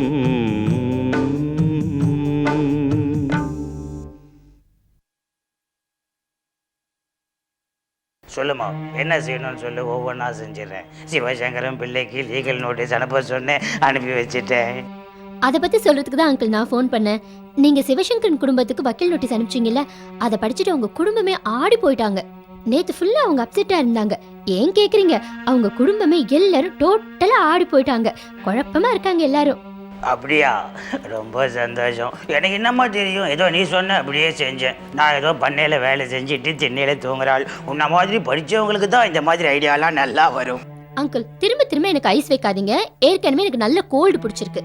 சொல்லுமா, என்ன செய்யணும்னு சொல்லு, ஒவ்வொன்றா செஞ்சிடறேன். சிவசங்கரன் பிள்ளைக்கு லீகல் நோட்டீஸ் அனுப்ப சொன்னேன், அனுப்பி வச்சுட்டேன். அதை பத்தி சொல்றதுக்கு தான் அங்கிள் நான் ஃபோன் பண்ணேன். நீங்க சிவசங்கரன் குடும்பத்துக்கு வக்கீல் நோட்டீஸ் அனுப்பிச்சீங்கல்ல, அதை படிச்சுட்டு அவங்க குடும்பமே ஆடி போயிட்டாங்க. நேத்து ஃபுல்லா அவங்க அப்செட்டா இருந்தாங்க. ஏன் கேக்குறீங்க? அவங்க குடும்பமே எல்லாரும் டோட்டலா ஆடி போயிட்டாங்க. குழப்பமா இருக்காங்க எல்லாரும். அப்படியா? ரொம்ப சந்தோஷம். எனக்கு என்னம்மா தெரியும், ஏதோ நீ சொன்ன அப்படியே செஞ்சேன். நான் ஏதோ பண்ணையில் வேலை செஞ்சுட்டு திண்ணையில் தூங்குறாள். உன்ன மாதிரி படித்தவங்களுக்கு தான் இந்த மாதிரி ஐடியாலாம் நல்லா வரும். அங்கிள், திரும்ப திரும்ப எனக்கு ஐஸ் வைக்காதீங்க. ஏற்கனவே எனக்கு நல்ல கோல்டு பிடிச்சிருக்கு.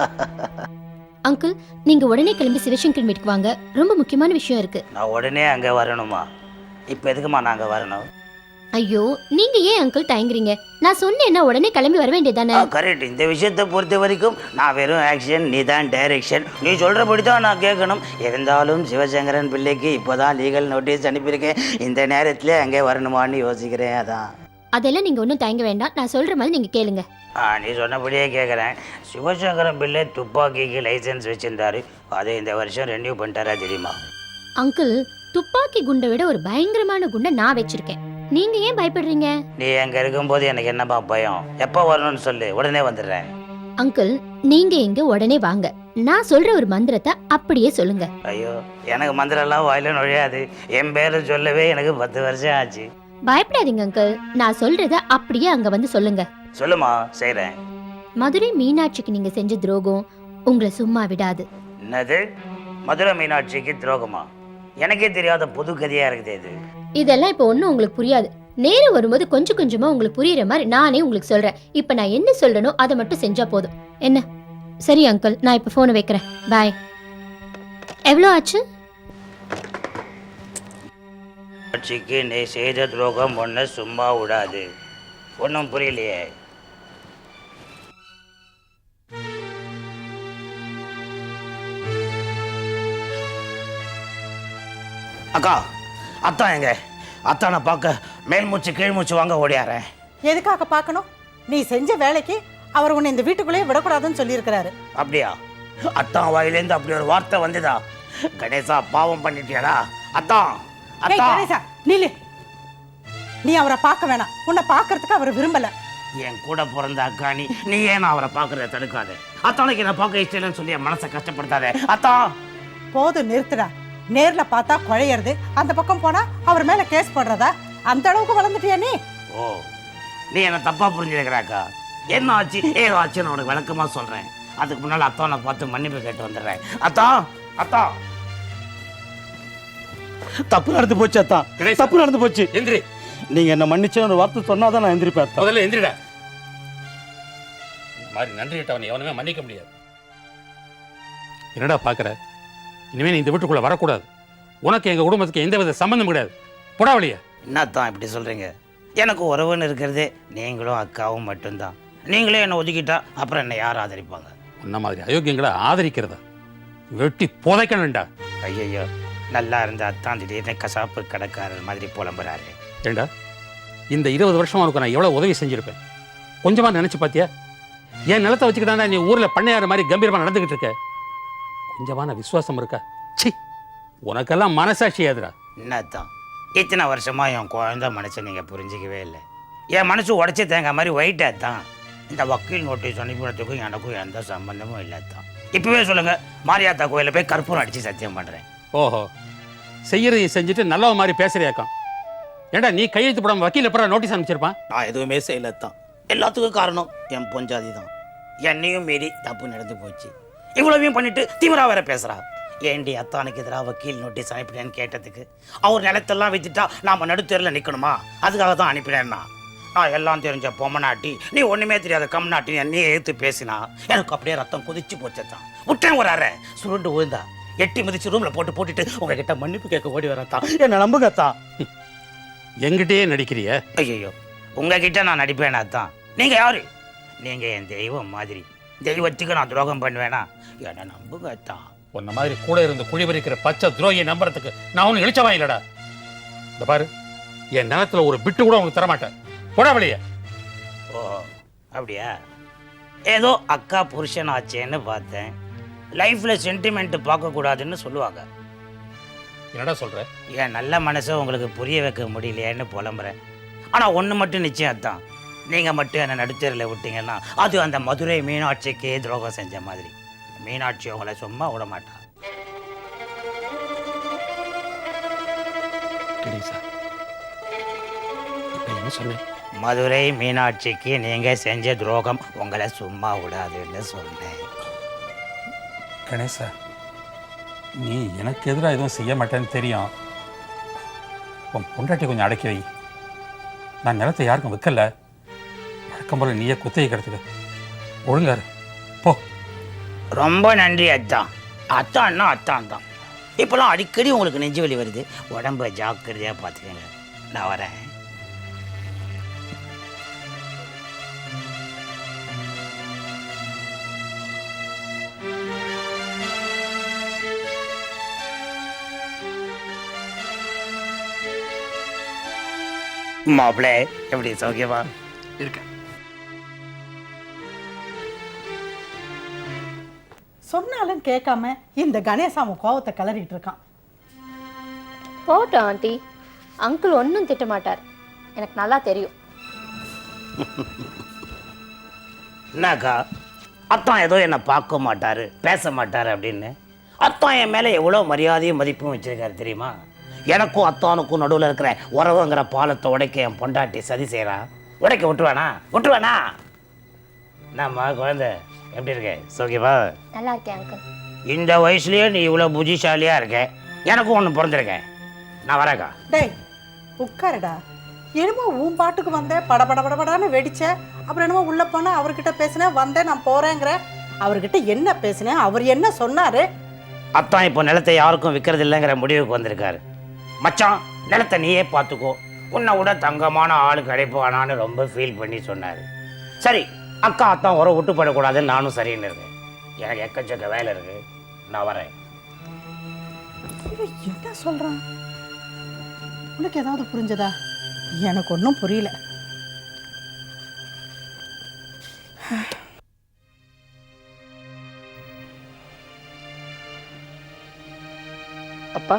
அங்கிள், நீங்க உடனே கிளம்பி சிவசங்கரன் வீட்டுக்கு வாங்க. ரொம்ப முக்கியமான விஷயம் இருக்கு. நான் உடனே அங்கே வரணுமா? இப்போ எதுக்குமா நாங்கள் வரணும்? ஐயோ, நீங்க ஏன் அங்கிள் தயங்குறீங்க? நான் சொன்னேன்னா உடனே கிளம்பி வர வேண்டியதானே? கரெக்ட். இந்த விஷயத்தை பொறுத்த வரைக்கும் நான் வெறும் ஆக்ஷன், நீ தான் டைரக்ஷன். நீ சொல்கிறபடி தான் நான் கேட்கணும். இருந்தாலும் சிவசங்கரன் பிள்ளைக்கு இப்போ தான் லீகல் நோட்டீஸ் அனுப்பியிருக்கேன். இந்த நேரத்தில் அங்கே வரணுமான்னு யோசிக்கிறேன். அதான். அதெல்லாம் நீங்க ஒன்றும் தயங்க வேண்டாம். நான் சொல்ற மாதிரி நீங்க கேளுங்க. நீ சொன்னபடியே கேட்குறேன். சிவசங்கரன் பிள்ளை துப்பாக்கிக்கு லைசன்ஸ் வச்சுருந்தாரு. அதை இந்த வருஷம் ரெனியூ பண்ணிட்டாரா தெரியுமா? அங்கிள், துப்பாக்கி குண்டை விட ஒரு பயங்கரமான குண்டை நான் வச்சிருக்கேன். நீங்க ஏன் பயப்படுறீங்க? நீ அங்க இருக்கும்போது எனக்கு என்னப்பா பயம்? எப்போ வரணும்னு சொல்லு, உடனே வந்துடுறேன். அங்கிள், நீங்க எங்க உடனே வாங்க. நான் சொல்ற ஒரு மந்திரத்தை அப்படியே சொல்லுங்க. ஐயோ, எனக்கு மந்திரம்லாம் வாயில நுழையாது. என் பேரை சொல்லவே எனக்கு 10 வருஷம் ஆச்சு. பயப்படாதீங்க அங்கிள், நான் சொல்றத அப்படியே அங்க வந்து சொல்லுங்க. சொல்லுமா, செய்றேன். மதுரை மீனாட்சிக்கு நீங்க செஞ்ச துரோகம் உங்களை சும்மா விடாது. என்னது? மதுரை மீனாட்சிக்கு துரோகமா? எனக்கே தெரியாத புது கதையா இருக்குது இது. இதெல்லாம் இப்ப ஒன்னும் உங்களுக்கு புரியாது. நேரம் வரும்போது கொஞ்சம் கொஞ்சமா உங்களுக்கு புரியுற மாதிரி நானே உங்களுக்கு சொல்றேன். இப்ப நான் என்ன சொல்றேனோ அதை மட்டும் செஞ்சா போதும். என்ன? சரி அங்கிள், நான் இப்ப போனை வைக்கிறேன். பாய். எவ்வளோ ஆச்சு? மீனாட்சிக்கு நீ செய்த துரோகம் ஒன்று சும்மா விடாது. ஒன்றும் புரியலையே. அக்கா, அத்தான் எங்க? அத்தானை பார்க்க மேல் மூச்சு கீழ் மூச்சு வாங்க ஓடியாரேன். எதுக்காக பார்க்கணும்? நீ செஞ்ச வேலைக்கு அவர் உன்னை இந்த வீட்டுக்குள்ளேயே விடக்கூடாதுன்னு சொல்லியிருக்கிறாரு. அப்படியா? அத்தான் வாயிலேருந்து அப்படி ஒரு வார்த்தை வந்துதா? கணேசா, பாவம் பண்ணிட்டியாடா? அத்தான், அத்தான். கணேசா, நில்லு. நீ அவரை பார்க்க வேணாம். உன்னை பார்க்கறதுக்கு அவர் விரும்பல. என் கூட பிறந்த அக்கா நீ ஏன் அவரை பார்க்கறத தடுக்காத? அத்தானுக்கு என்ன பார்க்க இஷ்டம் இல்லைன்னு சொல்லி என் மனசை கஷ்டப்படுத்தாத. அத்தான், போதும், நிறுத்துடா. நேர்ல பார்த்தா குழையறது, அந்த பக்கம் போனா அவர் மேல கேஸ் போடுறதா? அந்த அளவுக்கு வளர்ந்துட்டியா நீ? ஓ, நீ என்ன தப்பா புரிஞ்சுக்கிறாக்கா? என்ன ஆச்சு ஏதோ ஆச்சுன்னு உனக்கு விளக்கமா சொல்றேன். அதுக்கு முன்னால அத்தானை பார்த்து மன்னிப்பு கேட்டு வந்துடுறேன். அத்தா, அத்தா, தப்பு நடந்து போச்சு. அத்தா, தப்பு நடந்து போச்சு. எந்திரி. நீங்க என்ன மன்னிச்சு ஒரு வார்த்தை சொன்னாதான் நான் எந்திரிப்பேன். முதல்ல எந்திரிடா. மாதிரி நன்றி கேட்டவன் எவனுமே மன்னிக்க முடியாது. என்னடா பாக்குற? இனிமே நீ இந்த வீட்டுக்குள்ள வரக்கூடாது. உனக்கு எங்க குடும்பத்துக்கு எந்த வித சம்பந்தம் கிடையாது. போடா வெளியே. என்னத்தான் இப்படி சொல்றீங்க? எனக்கு உறவுன்னு இருக்கிறதே நீங்களும் அக்காவும் மட்டும்தான். நீங்களே என்னை ஒதுக்கிட்டா அப்புறம் என்னை யார் ஆதரிப்பாங்க? உன்ன மாதிரி அயோக்கியங்களை ஆதரிக்கிறதா? வெட்டி புதைக்கணும்டா. ஐயோ, நல்லா இருந்த அத்தான் திடீர்னு கசாப்பு கடைக்காரர் மாதிரி புலம்புறாரு. ஏண்டா, இந்த 20 வருஷம் உனக்கு நான் எவ்வளவு உதவி செஞ்சிருப்பேன். கொஞ்சமா நினைச்சு பாத்தியா? என் நிலத்தை வச்சுக்கிட்டா நீ ஊர்ல பண்ணையார மாதிரி கம்பீரமா நடந்துகிட்டு இருக்க. கொஞ்சமான விசுவாசம் இருக்கா? சி, உனக்கெல்லாம் மனசாட்சி ஏதுடா. என்னத்தான் இத்தனை வருஷமா என் குழந்தை மனசை நீங்க புரிஞ்சிக்கவே இல்லை. என் மனசு உடச்சி தேங்க மாதிரி ஒயிட்டா தான். இந்த வக்கீல் நோட்டீஸ் அனுப்பினதுக்கும் எனக்கும் எந்த சம்பந்தமும் இல்லை தான். இப்பவே சொல்லுங்க, மாரியாத்தா கோயில போய் கற்பூரம் அடிச்சு சத்தியம் பண்றேன். ஓஹோ, செய்யறதையும் செஞ்சுட்டு நல்ல மாதிரி பேசுறியாக்கம். ஏண்டா, நீ கையெழுத்து போடாம வக்கீல் எப்பறம் நோட்டீஸ் அனுப்பிச்சிருப்பான்? நான் எதுவுமே செய்யலத்தான். எல்லாத்துக்கும் காரணம் என் பொஞ்சாதி தான். என்னையும் மீறி தப்பு நடந்து போச்சு. இவ்வளவையும் பண்ணிட்டு தீவிரா வேற பேசுறா. ஏண்டி அத்தானுக்கு எதிராக வக்கீல் நோட்டீஸ் அனுப்பினேன்னு கேட்டதுக்கு அவர் நிலத்தெல்லாம் வித்துட்டா நாம நடுத்தேரில் நிற்கணுமா? அதுக்காக தான் அனுப்பினேன்னா. நான் எல்லாம் தெரிஞ்ச பொம்மநாட்டி, நீ ஒண்ணுமே தெரியாத கம்நாட்டி என்னையே எடுத்து பேசினா எனக்கு அப்படியே ரத்தம் கொதிச்சு போச்சுதான். விட்டேன் ஒரு அரை சுருண்டு விழுந்தா எட்டி மிதிச்சு ரூம்ல போட்டுட்டு உங்ககிட்ட மன்னிப்பு கேட்க ஓடி வரத்தான். என்ன நம்புங்கத்தா. எங்கிட்டே நடிக்கிறிய? ஐயோ, உங்ககிட்ட நான் நடிப்பேனா தான்? நீங்க யாரு? நீங்க என் தெய்வம் மாதிரி. தெய்வத்துக்கு நான் துரோகம் பண்ணுவேனா? என்ன நம்புங்கத்தா. உன்ன மாதிரி கூட இருந்து குழிபறிக்கிற பச்சை துரோகியை நம்புறதுக்கு நான் ஒன்னும் இழிச்சவா இல்லடா. இந்த பாரு, என் நிலத்துல ஒரு பிட்டு கூட உனக்கு தரமாட்டேன். போடா வெளியே. ஓ, அப்படியா? ஏதோ அக்கா புருஷன் ஆச்சேன்னு பார்த்தேன். லைஃப்பில் சென்டிமெண்ட்டு பார்க்கக்கூடாதுன்னு சொல்லுவாங்க. என்னடா சொல்ற? என் நல்ல மனசை உங்களுக்கு புரிய வைக்க முடியலையேன்னு புலம்புறேன். ஆனால் ஒன்று மட்டும் நிச்சயம் தான், நீங்கள் மட்டும் என்னை நடுத்தரில் விட்டீங்கன்னா அது அந்த மதுரை மீனாட்சிக்கே துரோகம் செஞ்ச மாதிரி. மீனாட்சி உங்களை சும்மா விட மாட்டா. கணேசா, இப்போ என்ன சொன்னேன்? மதுரை மீனாட்சிக்கு நீங்கள் செஞ்ச துரோகம் உங்களை சும்மா விடாதுன்னு சொன்னேன். கணேசா, நீ எனக்கு எதிராக எதுவும் செய்ய மாட்டேன்னு தெரியும். உன் பொண்டாட்டி கொஞ்சம் அடக்கி வை. நான் நிலத்தை யாருக்கும் விற்கல. வழக்கம் போல நீயே குத்தகை கிடத்துக்க. ஒழுங்காரு போ. ரொம்ப நன்றி அத்தான். அத்தான்னா அத்தான் தான். இப்போலாம் அடிக்கடி உங்களுக்கு நெஞ்சு வலி வருது. உடம்ப ஜாக்கிரதையாக பார்த்துக்கங்க. நான் வரேன். மாப்பிள்ளை எப்படி சௌக்கியமா இருக்கேன்? சொன்னாலும் கேட்காம இந்த கணேசாம கோவத்தை கிளறிட்டு இருக்கான். போட்டோம் ஆண்டி, அங்கிள் ஒன்றும் திட்ட மாட்டார், எனக்கு நல்லா தெரியும். என்னக்கா, அத்தான் ஏதோ என்னை பார்க்க மாட்டாரு பேச மாட்டாரு அப்படின்னு. அத்தான் என் மேலே எவ்வளோ மரியாதையும் மதிப்பும் வச்சிருக்காரு தெரியுமா? எனக்கும் அத்தானுக்கும் நடுவில் இருக்கிற உறவுங்கிற பாலத்தை உடைக்க என் பொண்டாட்டி சதி செய்கிறான். உடைக்க விட்டுருவானா? என்னம்மா குழந்தை எப்படி இருக்க? சௌக்கியமா? நல்லா இருக்கேன் அங்கிள். இந்த வயசுலயே நீ இவ்வளோ புத்திசாலியா இருக்க. எனக்கும் ஒன்று பிறந்திருக்கேன். நான் வரேக்கா. டேய் உட்காருடா. என்னமோ உன் பாட்டுக்கு வந்தேன், படபடபடபடான்னு வெடிச்ச. அப்புறம் என்னமோ உள்ள போனா அவர்கிட்ட பேசினேன், வந்தேன் நான் போறேங்கிற. அவர்கிட்ட என்ன பேசினேன், அவர் என்ன சொன்னாரு? அத்தான் இப்போ நிலத்தை யாருக்கும் விற்கிறது இல்லைங்கிற முடிவுக்கு வந்திருக்காரு. மச்சான், நிலத்தை நீயே பார்த்துக்கோ, உன்னை விட தங்கமான ஆளு கிடைப்பானான்னு ரொம்ப ஃபீல் பண்ணி சொன்னார். சரி, அக்கா அத்தான் உறவு விட்டு போடக்கூடாதுன்னு நானும் சரின்னு இருக்கேன். எனக்கு எக்கச்சக்க வேலை இருக்கு, நான் வரேன். என்ன சொல்றான்? உனக்கு ஏதாவது புரிஞ்சதா? எனக்கு ஒன்றும் புரியல. அப்பா,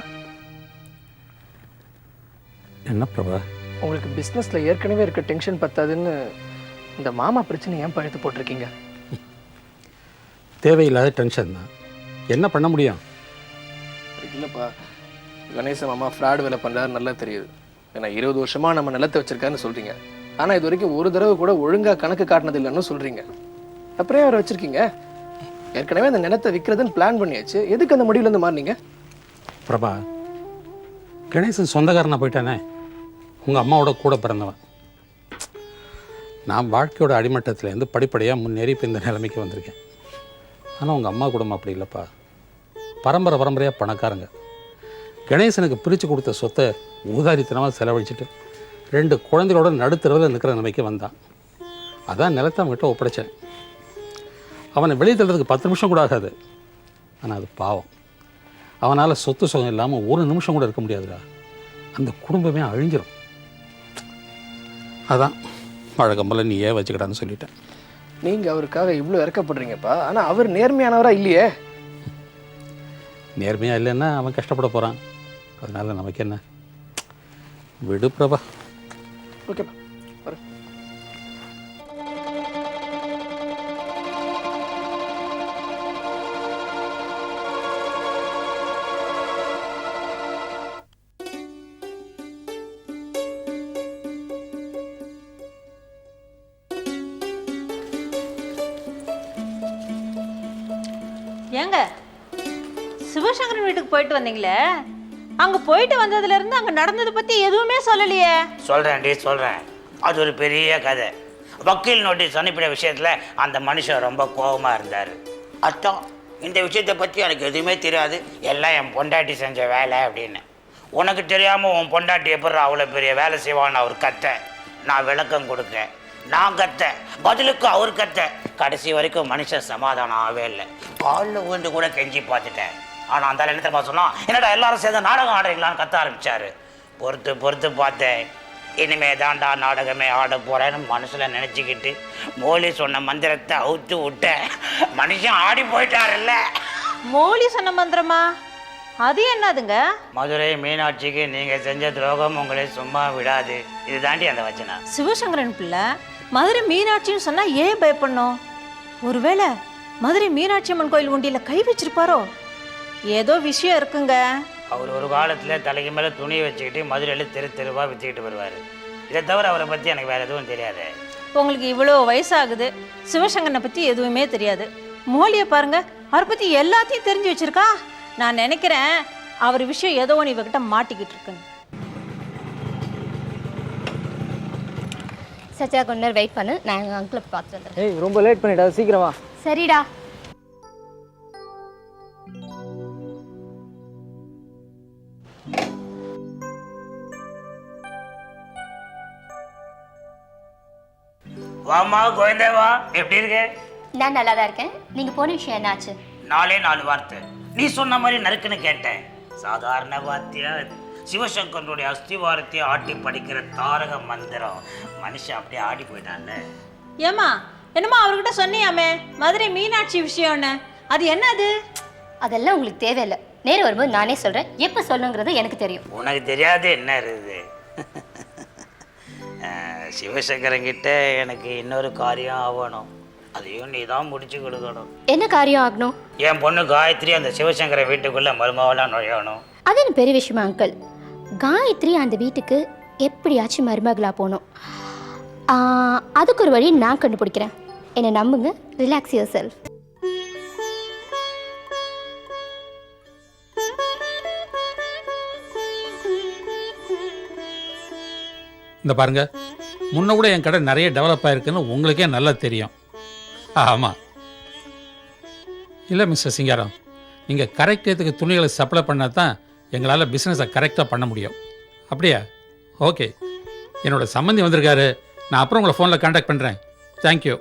என்ன பிரபா? உங்களுக்கு பிஸ்னஸில் ஏற்கனவே இருக்க டென்ஷன் பத்தாதுன்னு இந்த மாமா பிரச்சனை ஏன் பழுத்து போட்டிருக்கீங்க? தேவையில்லாத டென்ஷன் தான். என்ன பண்ண முடியும்? இல்லைப்பா, கணேச மாமா ஃப்ராட் வேலை பண்ணுறாரு நல்லா தெரியுது. ஏன்னா 20 வருஷமாக நம்ம நிலத்தை வச்சிருக்காருன்னு சொல்கிறீங்க. ஆனால் இது வரைக்கும் ஒரு தடவை கூட ஒழுங்காக கணக்கு காட்டினது இல்லைன்னு சொல்கிறீங்க. அப்புறம் அவரை வச்சுருக்கீங்க. ஏற்கனவே அந்த நிலத்தை விற்கிறதுன்னு பிளான் பண்ணியாச்சு. எதுக்கு அந்த முடிவுலேருந்து மாறினீங்க? பிரபா, கணேசன் சொந்தக்காரனா போயிட்டானே. உங்கள் அம்மாவோட கூட பிறந்தவன். நான் வாழ்க்கையோட அடிமட்டத்திலேருந்து படிப்படியாக முன்னேறி இப்போ இந்த நிலைமைக்கு வந்திருக்கேன். ஆனால் உங்கள் அம்மா குடும்பம் அப்படி இல்லைப்பா. பரம்பரையாக பணக்காரங்க. கணேசனுக்கு பிரித்து கொடுத்த சொத்தை ஊதாரித்தனமாக செலவழிச்சிட்டு 2 குழந்தைகளோட நடுத்தரவில் நிற்கிற நிலைமைக்கு வந்தான். அதான் நிலத்தை அவங்ககிட்ட ஒப்படைச்சேன். அவனை வெளியே தள்ளுறதுக்கு 10 நிமிஷம் கூட ஆகாது. ஆனால் அது பாவம். அவனால் சொத்து சுகம் இல்லாமல் ஒரு நிமிஷம் கூட இருக்க முடியாதுடா. அந்த குடும்பமே அழிஞ்சிடும். அதான் வழக்கம்போல நீ ஏன் வச்சுக்கிட்டான்னு சொல்லிட்டேன். நீங்கள் அவருக்காக இவ்வளோ இறக்கப்படுறீங்கப்பா. ஆனால் அவர் நேர்மையானவராக இல்லையே. நேர்மையாக இல்லைன்னா அவன் கஷ்டப்பட போகிறான். அதனால் நமக்கு என்ன? விடு பிரபா. ஓகேப்பா, வரேன். ஏங்க, சிவசங்கரன் வீட்டுக்கு போயிட்டு வந்தீங்களே, அங்க போயிட்டு வந்ததுல இருந்து அங்க நடந்ததை பத்தி எதுவுமே சொல்லலையே. சொல்றேன். அது ஒரு பெரிய கதை. வக்கீல் நோட்டீஸ் அனுப்பின விஷயத்துல அந்த மனுஷன் ரொம்ப கோபமா இருந்தார். அத்தான், இந்த விஷயத்தை பத்தி எனக்கு எதுவுமே தெரியாது, எல்லாம் என் பொண்டாட்டி செஞ்ச வேலை அப்படின்னு. உனக்கு தெரியாம உன் பொண்டாட்டி எப்படி அவ்வளோ பெரிய வேலை செய்வான்னு அவர் கத்த. நான் விளக்கம் கொடுக்க, நான் கத்த, பதிலுக்கு அவர் கத்த. கடைசி வரைக்கும் மனுஷன் சமாதானம் ஆகவே இல்லை. காலில் விழுந்து கூட கெஞ்சி பார்த்துட்டேன். ஆனால் அந்த என்ன தெரியுமா சொன்னா, என்னடா எல்லாரும் சேர்ந்து நாடகம் ஆடுறீங்களான்னு கத்த ஆரம்பிச்சாரு. பொறுத்து பார்த்தேன். இனிமே தான்டா நாடகமே ஆட போகிறேன்னு மனசில் நினச்சிக்கிட்டு மோலி சொன்ன மந்திரத்தை அவுத்து விட்டேன். மனுஷன் ஆடி போயிட்டாருல்ல. மோலி சொன்ன மந்திரமா? அது என்னதுங்க? மதுரை மீனாட்சிக்கு நீங்கள் செஞ்ச துரோகம் உங்களை சும்மா விடாது. இது தாண்டி அந்த வச்சனம். சிவசங்கரன் பிள்ளை மதுரை மீனாட்சின்னு சொன்னா ஏன் பயப்படணும்? ஒருவேளை மதுரை மீனாட்சி அம்மன் கோயில் உண்டியில் கை வச்சிருப்பாரோ? ஏதோ விஷயம் இருக்குங்க. அவர் ஒரு காலத்தில் தலைக்கு மேலே துணியை வச்சுக்கிட்டு மதுரையில் தெரு தெருவாக விற்றுக்கிட்டு வருவார். இதை தவிர அவரை பற்றி எனக்கு வேறு எதுவும் தெரியாது. உங்களுக்கு இவ்வளோ வயசாகுது, சிவசங்கரனை பற்றி எதுவுமே தெரியாது. மோலியை பாருங்க, அவரை பற்றி எல்லாத்தையும் தெரிஞ்சு வச்சிருக்கா. நான் நினைக்கிறேன் அவர் விஷயம் ஏதோ ஒன்று இவகிட்ட மாட்டிக்கிட்டு இருக்குன்னு. சத்யா கொஞ்ச நேரம் வெயிட் பண்ணு, நான் எங்கள் அங்கிளை பார்த்துட்டு வந்துடுறேன். ஏய் ரொம்ப லேட் பண்ணிட்டா, சீக்கிரம் வா. சரிடா. வாமா கோயந்தேவா, எப்படி இருக்கு? நான் நல்லா தான் இருக்கேன். நீங்கள் போன விஷயம் என்னாச்சு? 4 வார்த்தை நீ சொன்ன மாதிரி நறுக்குன்னு கேட்டேன். சாதாரண வார்த்தையா? சிவசங்கரனுடைய அஸ்திவாரத்தை ஆட்டி படிக்கிற தாரக மந்திரம். மனுஷன் அப்படியே ஆடி போயிட்டான்ல. ஏமா என்னம்மா அவர்கிட்ட சொன்னியாமே மதுரை மீனாட்சி விஷயம்னு, அது என்னது? அதெல்லாம் உங்களுக்கு தேவையில்லை. நேரம் வரும்போது நானே சொல்கிறேன். எப்போ சொல்லணுங்கிறது எனக்கு தெரியும். உனக்கு தெரியாது என்ன இருக்குது? சிவசங்கரங்கிட்ட எனக்கு இன்னொரு காரியம் ஆகணும். அதையும் நீ தான் முடிச்சு கொடுக்கணும். என்ன காரியம் ஆகணும்? என் பொண்ணு காயத்ரி அந்த சிவசங்கர வீட்டுக்குள்ள மருமகளாக நுழையணும். அது என்ன பெரிய விஷயமா அங்கிள்? காயத்ரி அந்த வீட்டுக்கு எப்படியாச்சும் மருமகளாக போகணும். அதுக்கு ஒரு வழி நான் கண்டுபிடிக்கிறேன். என்னை நம்புங்க. Relax yourself. இந்த பாருங்க, முன்ன கூட என் கடை நிறைய டெவலப் ஆயிருக்குன்னு உங்களுக்கே நல்லா தெரியும். ஆமாம் இல்லை மிஸ்டர் சிங்காரம், நீங்கள் கரெக்ட் டேத்துக்கு துணிகளை சப்ளை பண்ணால் தான் எங்களால் பிஸ்னஸை கரெக்டாக பண்ண முடியும். அப்படியா? ஓகே, என்னோட சம்மந்தி வந்திருக்காரு. நான் அப்புறம் உங்களை ஃபோனில் கான்டாக்ட் பண்ணுறேன். தேங்க்யூ.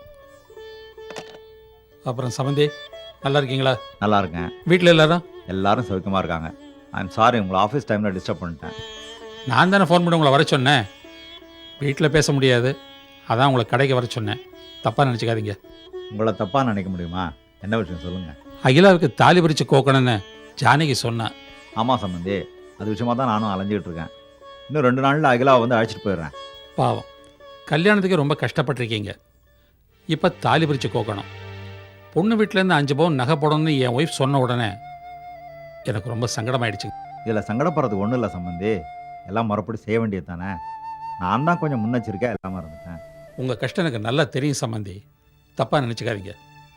அப்புறம் சம்மந்தி நல்லா இருக்கீங்களா? நல்லா இருக்கேன். வீட்டில் எல்லாரும் சௌக்கியமாக இருக்காங்க. ஐம் சாரி, உங்களை ஆஃபீஸ் டைமில் டிஸ்டர்ப் பண்ணிட்டேன். நான் தானே ஃபோன் பண்ணி உங்களை வர சொன்னேன். வீட்டில் பேச முடியாது, அதான் உங்களை கடைக்கு வர சொன்னேன். தப்பாக நினச்சிக்காதீங்க. உங்களை தப்பாக நினைக்க முடியுமா? என்ன விஷயம் சொல்லுங்கள். அகிலாவுக்கு தாலி பிரித்து கோக்கணுன்னு ஜானகி சொன்னேன். ஆமாம் சம்பந்தி, அது விஷயமா தான் நானும் அலைஞ்சிக்கிட்டு இருக்கேன். இன்னும் 2 நாளில் அகிலாவை வந்து அழைச்சிட்டு போயிடுறேன். பாவம், கல்யாணத்துக்கு ரொம்ப கஷ்டப்பட்டிருக்கீங்க. இப்போ தாலி பிரித்து கோக்கணும். பொண்ணு வீட்டிலேருந்து 5 பவுன் நகை போடணும்னு என் ஒய்ஃப் சொன்ன உடனே எனக்கு ரொம்ப சங்கடமாயிடுச்சு. இதில் சங்கடப்படுறதுக்கு ஒன்றும் இல்லை சம்பந்தி, எல்லாம் மறுபடி செய்ய வேண்டியது தானே. நான் தான் கொஞ்சம் முன்னெச்சரிக்கையாக எல்லாமே இருந்துட்டேன். உங்கள் கஷ்டம் எனக்கு நல்லா தெரியும் சம்பந்தி, தப்பாக நினச்சிக்காதீங்க.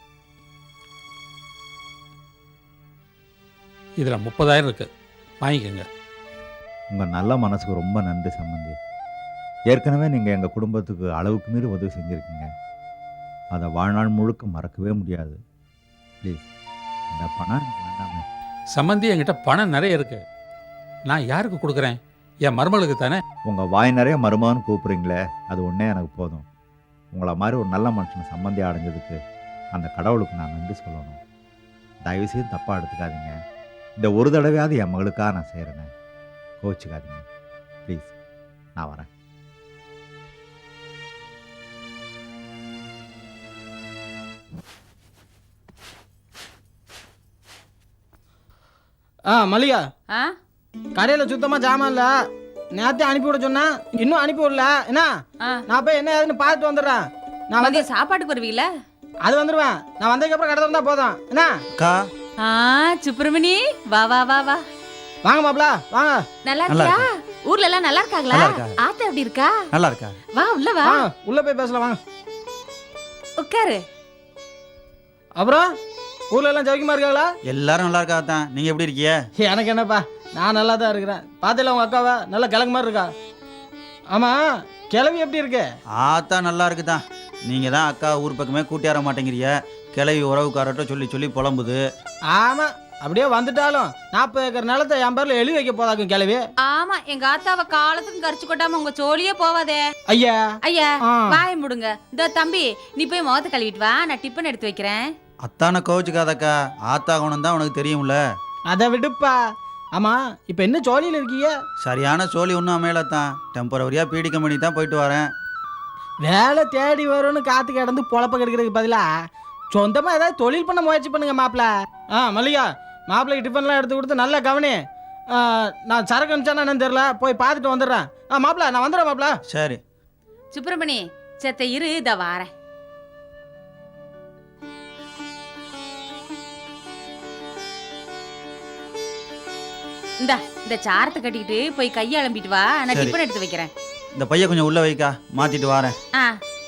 இதில் 30,000 இருக்குது, வாங்கிக்கோங்க. உங்கள் நல்ல மனசுக்கு ரொம்ப நன்றி சம்பந்தி. ஏற்கனவே நீங்கள் எங்கள் குடும்பத்துக்கு அளவுக்கு மீறி உதவி செஞ்சுருக்கீங்க. அதை வாழ்நாள் முழுக்க மறக்கவே முடியாது. ப்ளீஸ், இந்த பணம் எனக்கு வேண்டாமே. சம்பந்தி, என்கிட்ட பணம் நிறைய இருக்குது. நான் யாருக்கு கொடுக்குறேன்? என் மருமகளுக்கு தானே. உங்கள் வாய் நிறைய மருமகன்னு கூப்பிட்றீங்களே, அது ஒன்றே எனக்கு போதும். உங்களை மாதிரி ஒரு நல்ல மனுஷனை சம்பந்தி அடைஞ்சதுக்கு அந்த கடவுளுக்கு நான் நன்றி சொல்லணும். தயவுசெய்து தப்பாக எடுத்துக்காதீங்க. இந்த ஒரு தடவையாவது என் மகளுக்காக நான் செய்கிறேன்னு கோச்சிக்காதீங்க. ப்ளீஸ், நான் வரேன். மல்லிகா, ஆ கடையில் சுத்தமாக ஜாமான் இல்லை. நேரத்தையும் அனுப்பி விட சொன்னா, இன்னும் அனுப்பி விடல. என்ன, நான் போய் என்ன ஏதுன்னு பார்த்துட்டு வந்துடுறேன். நான் வந்து சாப்பாட்டுக்கு வருவீங்களா? அது வந்துடுவேன். நான் வந்ததுக்கப்புறம் கடை திறந்தா போதும். என்ன அக்கா, சுப்பிரமணி, வா வா வா வா. வாங்க மாப்ள, வாங்க. நல்லா இருக்கியா? ஊர்ல எல்லாம் நல்லா இருக்காங்களா? நல்லா இருக்கா. ஆத்தா எப்படி இருக்கா? நல்லா இருக்கா? வா உள்ள வா. உள்ள போய் பேசலாம், வாங்க. உட்காரு. அப்புறம் ஊர்ல எல்லாம் சௌக்கியமா இருக்காங்களா? எல்லாரும் நல்லா இருக்கா தான். நீங்க எப்படி இருக்கீங்க? எனக்கு என்னப்பா, நான் நல்லா தான் இருக்கிறேன். பார்த்தல உங்க அக்காவை நல்லா கிழங்கு மாதிரி இருக்கா. ஆமா, கிளவி எப்படி இருக்கு? ஆத்தா நல்லா இருக்குதான். நீங்க தான் அக்கா ஊர் பக்கமே கூட்டியார மாட்டேங்கிறீங்க. கிளவி உறவுக்காரட்ட சொல்லி சொல்லி புலம்புது. ஆமா, அப்படியே வந்துட்டாலும் 40 ஏக்கர் நிலத்தை என் பேர்ல எழுதி வைக்க போதாக்கும் கிளவி. ஆமா, எங்க ஆத்தாவ காலத்துக்கும் கரிச்சு கொட்டாம உங்க சோழியே போவாதே. ஐயா ஐயா, வாய முடுங்க. இந்த தம்பி, நீ போய் முகத்தை கழுவிட்டு வா, நான் டிஃபன் எடுத்து வைக்கிறேன். அத்தான கோவிச்சுக்காதக்கா, ஆத்தா குணம் தான் உனக்கு தெரியும்ல. அதை விடுப்பா. ஆமாம் இப்போ என்ன ஜோலியில் இருக்கீங்க? சரியான சோழி ஒன்றும் அமையலத்தான். டெம்பரவரியாக பீடி கம்பெனி தான் போயிட்டு வரேன். வேலை தேடி வரும்னு காற்று கிடந்து பொழப்ப கெடுக்கிறதுக்கு பதிலாக சொந்தமாக ஏதாவது தொழில் பண்ண முயற்சி பண்ணுங்க மாப்பிள்ள. மல்லிகா, மாப்பிள்ளைக்கு டிஃபன்லாம் எடுத்து கொடுத்து நல்லா கவனி. நான் சரக்கு அனுப்பிச்சானா என்னன்னு தெரியல, போய் பார்த்துட்டு வந்துடுறேன். மாப்பிள்ள நான் வந்துடுறேன் மாப்பிள்ள. சரி சுப்பிரமணி செத்த இரு, இத வாரேன். இந்த சாரத்தை கட்டிக்கிட்டு போய் கையை அலம்பிட்டு வா, நான் சரி. டிஃபன் எடுத்து வைக்கிறேன். இந்த பைய கொஞ்சம் உள்ள வைக்கா, மாத்திட்டு வரேன். ஆ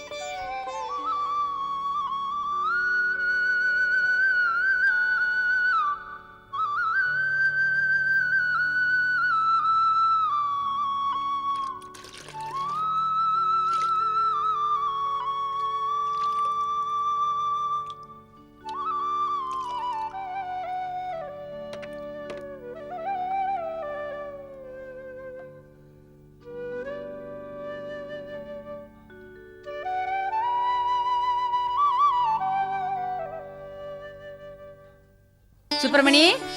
சுப்பிரமணி,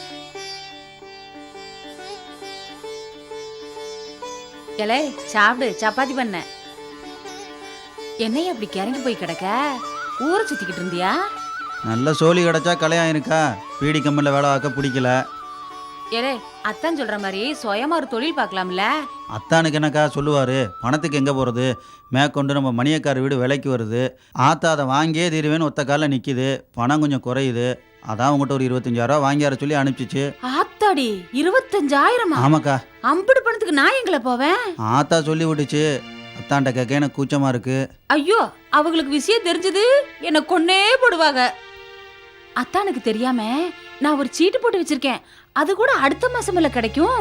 எலே சாப்பிடு, சப்பாத்தி பண்ண. என்னைய அப்படி கிறங்கி போய் கிடக்க? ஊரை சுத்திக்கிட்டு இருந்தியா? நல்ல சோழி கிடச்சா கலையாயிருக்கா. பீடி கம்பெனியில் வேலை பார்க்க பிடிக்கல. ஏலே, அத்தான் சொல்ற மாதிரி சுயமா ஒரு தொழில் பார்க்கலாம்ல? அத்தானுக்கு என்னக்கா சொல்லுவார், பணத்துக்கு எங்கே போகிறது, மேற்கொண்டு நம்ம மணியக்கார வீடு விலைக்கு வருது, ஆத்தா அதை வாங்கியே தீருவேன்னு ஒத்த காலில் நிற்கிது, பணம் கொஞ்சம் குறையுது, அதான் உங்கள்கிட்ட ஒரு 25,000 வாங்கியார சொல்லி அனுப்பிச்சிச்சு. ஆத்தாடி, 25,000? ஆமாக்கா. அம்புடு பணத்துக்கு நான் எங்களை போவேன்? ஆத்தா சொல்லி விட்டுச்சு. அத்தான்ட்ட கேட்க எனக்கு கூச்சமாக இருக்கு. ஐயோ, அவங்களுக்கு விஷயம் தெரிஞ்சது என்ன கொன்னே போடுவாங்க. அத்தானுக்கு தெரியாம நான் ஒரு சீட்டு போட்டு வச்சிருக்கேன், அது கூட அடுத்த மாசம்ல கிடைக்கும்.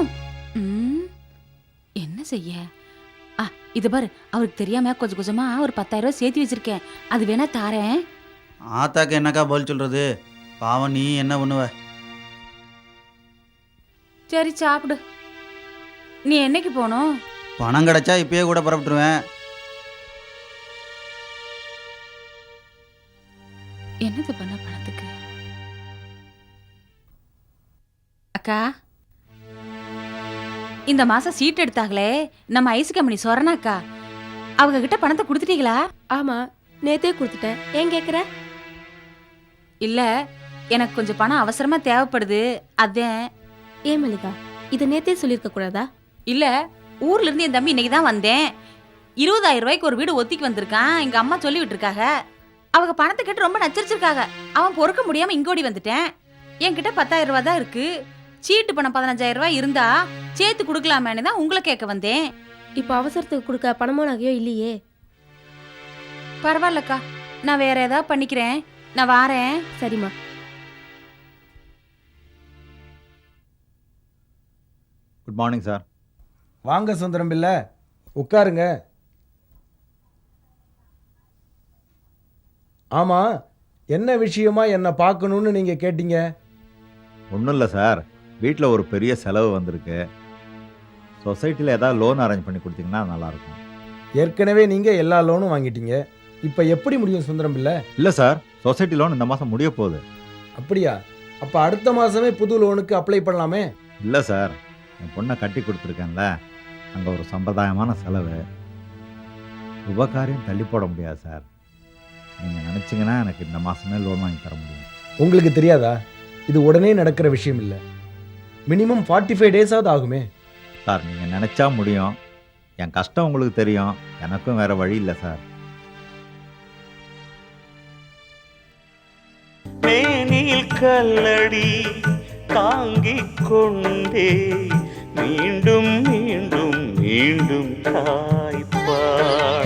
என்ன செய்ய? இது பாரு, அவருக்கு தெரியாம கொஞ்சம் கொஞ்சமா ஒரு 10,000 சேர்த்து வச்சிருக்கேன், அது வேணா தாரேன். ஆத்தாக்கு என்னக்கா பதில் சொல்கிறது, பாவம் நீ என்ன பண்ணுவ? சரி சாப்பிடு. நீ என்னைக்கு போகணும்? பணம் கிடைச்சா இப்பயே கூட புறப்பட்டுருவேன். என்னது பண்ண பணத்துக்கு? அக்கா, இந்த மாசம் சீட் எடுத்தாங்களே நம்ம ஐஸ் கம்பெனி சொரணாக்கா, அவங்க கிட்ட பணத்தை கொடுத்துட்டீங்களா? ஆமா, நேத்தே கொடுத்துட்டேன். ஏன் கேக்குற? இல்ல, எனக்கு கொஞ்சம் பணம் அவசரமா தேவைப்படுது, அதான். ஏன் மல்லிகா, இதை நேத்தே சொல்லியிருக்க கூடாதா? இல்ல, ஊர்ல இருந்து என் தம்பி இன்னைக்கு தான் வந்தேன். 20,000 ரூபாய்க்கு ஒரு வீடு ஒத்திக்கு வந்திருக்கான், எங்க அம்மா சொல்லி விட்டுருக்காங்க. அவங்க பணத்தை கேட்டு ரொம்ப நச்சரிச்சிருக்காங்க. அவன் பொறுக்க முடியாம இங்கோடி வந்துட்டேன். என்கிட்ட 10,000 ரூபாய் தான் இருக்கு. சீட்டு பணம் 15,000 ரூபாய் இருந்தா சேர்த்து கொடுக்கலாமேன்னு தான் உங்களை கேட்க வந்தேன். இப்ப அவசரத்துக்கு கொடுக்க பணமோ நகையோ இல்லையே. பரவாயில்லக்கா, நான் வேற ஏதாவது பண்ணிக்கிறேன், நான் வாரேன். சரிம்மா. Good morning sir. வாங்க சுந்தரம் பிள்ளை, உட்காருங்க. ஆமாம், என்ன விஷயமா என்னை பார்க்கணுன்னு நீங்கள் கேட்டீங்க? ஒன்றும் இல்லை சார், வீட்டில் ஒரு பெரிய செலவு வந்திருக்கு. சொசைட்டியில் ஏதாவது லோன் அரேஞ்ச் பண்ணி கொடுத்தீங்கன்னா நல்லாயிருக்கும். ஏற்கனவே நீங்கள் எல்லா லோனும் வாங்கிட்டீங்க, இப்போ எப்படி முடியும் சுந்தரம் பிள்ளை? இல்லை சார், சொசைட்டி லோன் இந்த மாதம் முடிய போகுது. அப்படியா? அப்போ அடுத்த மாதமே புது லோனுக்கு அப்ளை பண்ணலாமே? இல்லை சார், என் பொண்ணை கட்டி கொடுத்துருக்கேன்ல, அங்கே ஒரு சம்பிரதாயமான செலவு, உபகாரியம் தள்ளி போட முடியாது சார். நீங்கள் நினச்சிங்கன்னா எனக்கு இந்த மாதமே லோன் வாங்கி தர முடியும். உங்களுக்கு தெரியாதா, இது உடனே நடக்கிற விஷயம் இல்லை. மினிமம் 45 டேஸாவது ஆகுமே. சார், நீங்கள் நினச்சா முடியும். என் கஷ்டம் உங்களுக்கு தெரியும், எனக்கும் வேறு வழி இல்லை சார். மேனில் கல்லடி தாங்கிக் கொண்டே மீண்டும் மீண்டும் மீண்டும் தாய்ப்பாள்